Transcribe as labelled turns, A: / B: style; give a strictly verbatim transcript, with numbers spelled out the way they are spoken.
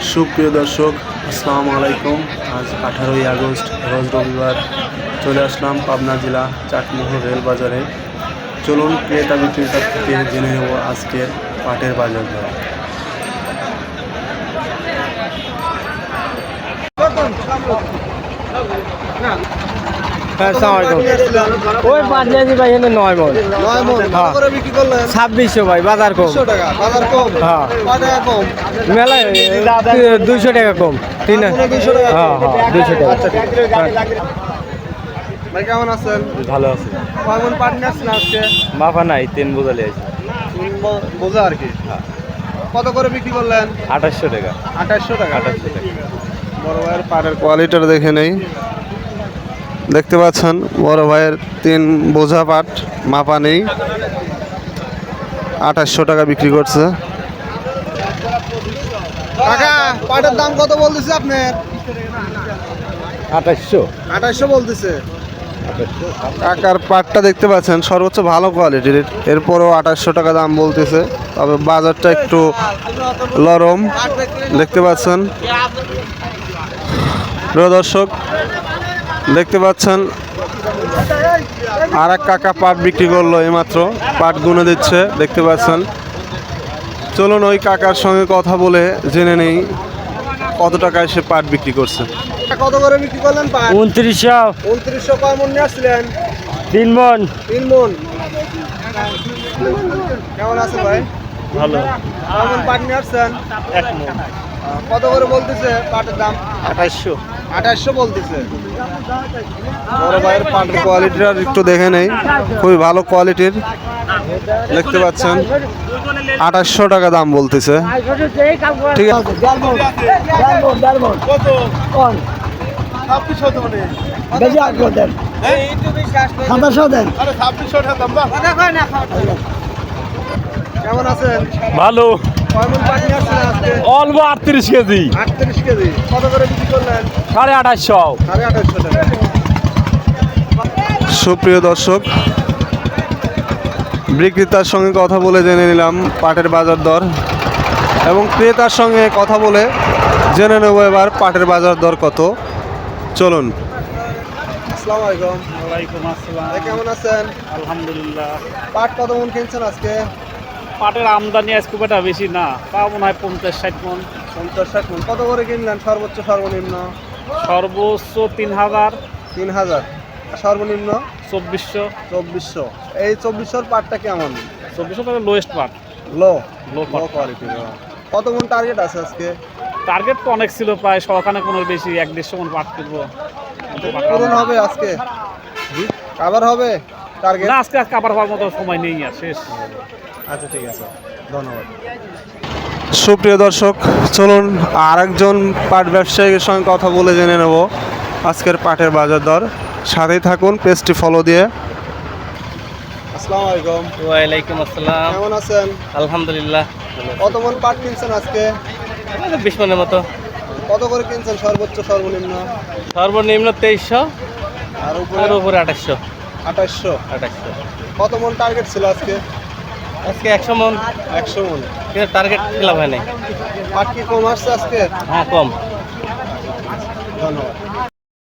A: সুপ্রিয় দর্শক, আসসালামু আলাইকুম। আজ আঠারোই আগস্ট রোজ রবিবার চলে আসলাম পাবনা জেলা চাটমোহর রেল বাজারে। চলুন ক্রেতা বিক্রেতার থেকে জেনে নেব আজকের পাটের বাজার দর।
B: ওই পাঁচ কেজি ভাই এনে নয় মন ছাব্বিশশো ভাই বাজার কম হ্যাঁ মেলায় দুইশো টাকা কম তিন হ্যাঁ হ্যাঁ দুইশো টাকা।
C: ভাই কেমন আছেন?
B: ভালো আছে।
C: কেমন পাট নিয়ে আসছেন আজকে?
B: মাফা নাই তিন বোঝালি আছে
C: তিন ব- বোঝা আর কি। কত করে বিক্রি করলেন?
B: আঠাশশো টাকা
C: আঠাশশো টাকা।
B: আঠাশশো টাকা।
C: বড় ভাইয়ের পাটের কোয়ালিটিটা দেখে নেই। দেখতে পাচ্ছেন বড় ভাইয়ের তিন বোঝা পাট মাপা নেই, আঠাশশো টাকা বিক্রি করছে। কাকা পাটের দাম কত বলতেছে আপনার?
B: আঠাশশো
C: আঠাশশো বলতেছে। কাকার পাটটা দেখতে পাচ্ছেন সর্বোচ্চ ভালো কোয়ালিটির, এরপরও আঠাশশো টাকা দাম বলতেছে। তবে বাজারটা একটু নরম দেখতে পাচ্ছেন। প্রিয় দর্শক, দেখতে পাচ্ছেন আর এক কাকা পাট বিক্রি করলো এইমাত্র, পাট গুনে দিচ্ছে দেখতে পাচ্ছেন। চলুন ওই কাকার সঙ্গে কথা বলে জেনে নেই কত টাকায় সে পাট বিক্রি করছে। কত করে বিক্রি করলেন পাট?
B: উনত্রিশশো
C: উনত্রিশশো কয় মন নিয়ে আসছিলেন?
B: তিন মন।
C: তিন মন। কেমন আছেন ভাই?
B: ভালো।
C: কেমন পাট নিয়ে আসছেন?
B: এক মন।
C: কত করে বলতেছে পাটের দাম?
B: আঠাশশো
C: আঠাশশো বলতেছে। বড় ভাইয়ের পাটের কোয়ালিটিটা একটু দেখে নেই, খুবই ভালো কোয়ালিটির দেখতে পাচ্ছেন। আঠাশশো টাকা দাম বলতেছে। ঠিক আছে। কেমন আছেন?
B: ভালো।
C: কয় মণ পাট নিয়ে আসছেন আজকে?
B: অল্প আটত্রিশ কেজি
C: আটত্রিশ কেজি। কত করে বিক্রি করলেন?
B: সাড়ে আঠাশশো।
C: সাড়ে আঠাশশো টাকা। সুপ্রিয় দর্শক, বিক্রেতার সঙ্গে কথা বলে জেনে নিলাম পাটের বাজার দর, এবং ক্রেতার সঙ্গে কথা বলে জেনে নেব এবার পাটের বাজার দর কত। চলুন। আসসালামু আলাইকুম।
B: ওয়ালাইকুম আসসালাম।
C: ভাই কেমন আছেন?
B: আলহামদুলিল্লাহ।
C: পাট কত মন কিনছেন আজকে?
B: পাটের আমদানি আজ খুব একটা বেশি না, তাও মনে হয় পঞ্চাশ ষাট মন।
C: পঞ্চাশ ষাট মন। কত করে কিনলেন সর্বোচ্চ সর্বনিম্ন?
B: সর্বোচ্চ তিন হাজার।
C: তিন হাজার। সর্বনিম্ন
B: চব্বিশশো।
C: চব্বিশশো। এই চব্বিশশোর পাটটা কেমন?
B: চব্বিশশো টাকা লোয়েস্ট পাট।
C: লো
B: লো
C: লো কোয়ালিটির। কত মন টার্গেট আছে আজকে?
B: টার্গেট তো অনেক ছিল, প্রায় শখানে কোনো বেশি, এক দেড়শো মন পাট করবো।
C: পূরণ হবে আজকে? আবার হবে টার্গেট?
B: না, আজকে কাবার হওয়ার মতো সময় নেই, আর শেষ।
C: আচ্ছা ঠিক আছে, ধন্যবাদ। সুপ্রিয় দর্শক, চলুন আর একজন পাট ব্যবসায়ীর সঙ্গে কথা বলে জেনে নেব আজকের পাটের বাজার দর। সাথেই থাকুন, পেজটি ফলো দিয়ে। আসসালামু আলাইকুম।
B: ওয়ালাইকুম আসসালাম।
C: কেমন আছেন?
B: আলহামদুলিল্লাহ।
C: কত মন পাট কিনছেন আজকে?
B: বিশ মনের মতো।
C: কত করে কিনছেন সর্বোচ্চ সর্বনিম্ন?
B: সর্বনিম্ন তেইশশো,
C: আর
B: আর
C: উপরে?
B: উপরে আঠাশশো।
C: আঠাশশো।
B: আঠাশশো।
C: কত মন টার্গেট ছিল আজকে?
B: আজকে একশো মন,
C: একশো মন।
B: কিন্তু টার্গেট খেলাম হয় নাই।
C: পাট কি কম আসছে আজকে?
B: হ্যাঁ, কম।
C: ধন্যবাদ।